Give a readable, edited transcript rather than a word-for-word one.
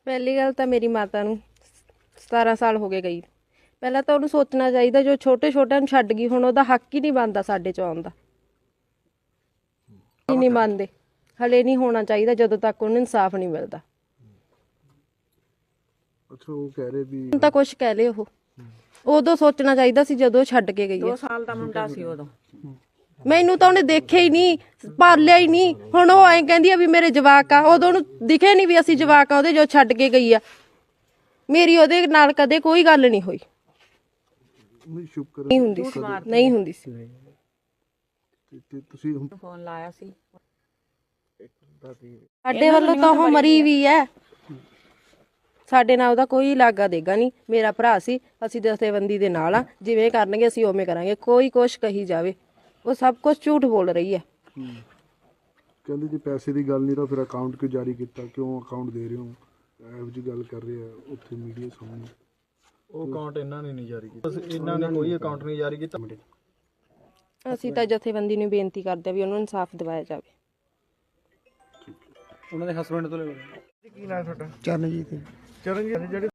ਪਹਿਲੀ ਗੱਲ ਤਾਂ ਮੇਰੀ ਮਾਤਾ ਨੂੰ 17 ਸਾਲ ਹੋ ਗਏ ਗਈ। ਪਹਿਲਾਂ ਤਾਂ ਉਹਨੂੰ ਸੋਚਣਾ ਚਾਹੀਦਾ, ਜੋ ਛੋਟੇ ਛੋਟਿਆਂ ਨੂੰ ਛੱਡ ਗਈ, ਹੁਣ ਉਹਦਾ ਹੱਕ ਹੀ ਨਹੀਂ ਬਣਦਾ ਸਾਡੇ 'ਚ ਆਉਣ ਦਾ। ਨਹੀਂ ਮੰਨਦੇ, ਹਲੇ ਨਹੀਂ ਹੋਣਾ ਚਾਹੀਦਾ ਜਦੋਂ ਤੱਕ ਉਹਨੂੰ ਇਨਸਾਫ ਨਹੀਂ ਮਿਲਦਾ। ਅੱਛਾ, ਉਹ ਕਹਿ ਰਹੇ ਵੀ ਹੁਣ ਤਾਂ ਕੁਛ ਕਹਿ ਲਏ, ਉਹ ਉਦੋਂ ਸੋਚਣਾ ਚਾਹੀਦਾ ਸੀ ਜਦੋਂ ਛੱਡ ਕੇ ਗਈ ਹੈ। 2 ਸਾਲ ਦਾ ਮੁੰਡਾ ਸੀ ਉਦੋਂ। ਮੈਨੂੰ ਤਾਂ ਉਹਨੇ ਦੇਖਿਆ ਹੀ ਨਹੀਂ, ਪਾਲਿਆ ਹੀ ਨਹੀਂ। ਹੁਣ ਉਹ ਐਂ ਕਹਿੰਦੀ ਆ ਵੀ ਮੇਰੇ ਜਵਾਕ ਆ, ਉਦੋਂ ਉਹਨੂੰ ਦਿਖੇ ਨਹੀਂ ਵੀ ਅਸੀਂ ਜਵਾਕ ਆ ਉਹਦੇ, ਜੋ ਛੱਡ ਕੇ ਗਈ ਆ। ਮੇਰੀ ਉਹਦੇ ਨਾਲ ਕਦੇ ਕੋਈ ਗੱਲ ਨਹੀਂ ਹੋਈ, ਨਹੀਂ ਸ਼ੁਕਰ ਨਹੀਂ ਹੁੰਦੀ ਸੀ, ਨਹੀਂ ਹੁੰਦੀ ਸੀ। ਤੇ ਤੁਸੀਂ ਫੋਨ ਲਾਇਆ ਸੀ। ਸਾਡੇ ਵੱਲੋਂ ਤਾਂ ਉਹ ਮਰੀ ਵੀ ਹੈ, ਸਾਡੇ ਨਾਲ ਉਹਦਾ ਕੋਈ ਲਾਗਾ ਦੇਗਾ ਨਹੀਂ। ਮੇਰਾ ਭਰਾ ਸੀ, ਅਸੀਂ ਜਥੇਬੰਦੀ ਦੇ ਨਾਲ ਆ, ਜਿਵੇਂ ਕਰਨਗੇ ਅਸੀਂ ਉਵੇਂ ਕਰਾਂਗੇ। ਕੋਈ ਕੁਛ ਕਹੀ ਜਾਵੇ, ਉਹ ਸਭ ਕੁਝ ਝੂਠ ਬੋਲ ਰਹੀ ਹੈ। ਕਹਿੰਦੇ ਜੇ ਪੈਸੇ ਦੀ ਗੱਲ ਨਹੀਂ ਤਾਂ ਫਿਰ ਅਕਾਊਂਟ ਕਿਉਂ ਜਾਰੀ ਕੀਤਾ, ਕਿਉਂ ਅਕਾਊਂਟ ਦੇ ਰਹੇ ਹੋ, ਇਹੋ ਜਿਹੀ ਗੱਲ ਕਰ ਰਹੇ ਆ ਉੱਥੇ ਮੀਡੀਆ ਸਾਹਮਣੇ। ਉਹ ਅਕਾਊਂਟ ਇਹਨਾਂ ਨੇ ਨਹੀਂ ਜਾਰੀ ਕੀਤਾ, ਇਹਨਾਂ ਨੇ ਕੋਈ ਅਕਾਊਂਟ ਨਹੀਂ ਜਾਰੀ ਕੀਤਾ। ਅਸੀਂ ਤਾਂ ਜਥੇਬੰਦੀ ਨੂੰ ਬੇਨਤੀ ਕਰਦੇ ਆ ਵੀ ਉਹਨੂੰ ਇਨਸਾਫ ਦਿਵਾਇਆ ਜਾਵੇ। ਉਹਨਾਂ ਦੇ ਹਸਬੰਡ ਤੋਂ ਲੈ ਲਓ। ਕੀ ਨਾਮ ਤੁਹਾਡਾ? ਚਰਨਜੀਤ ਚਰਨਜੀਤ, ਜਿਹੜੇ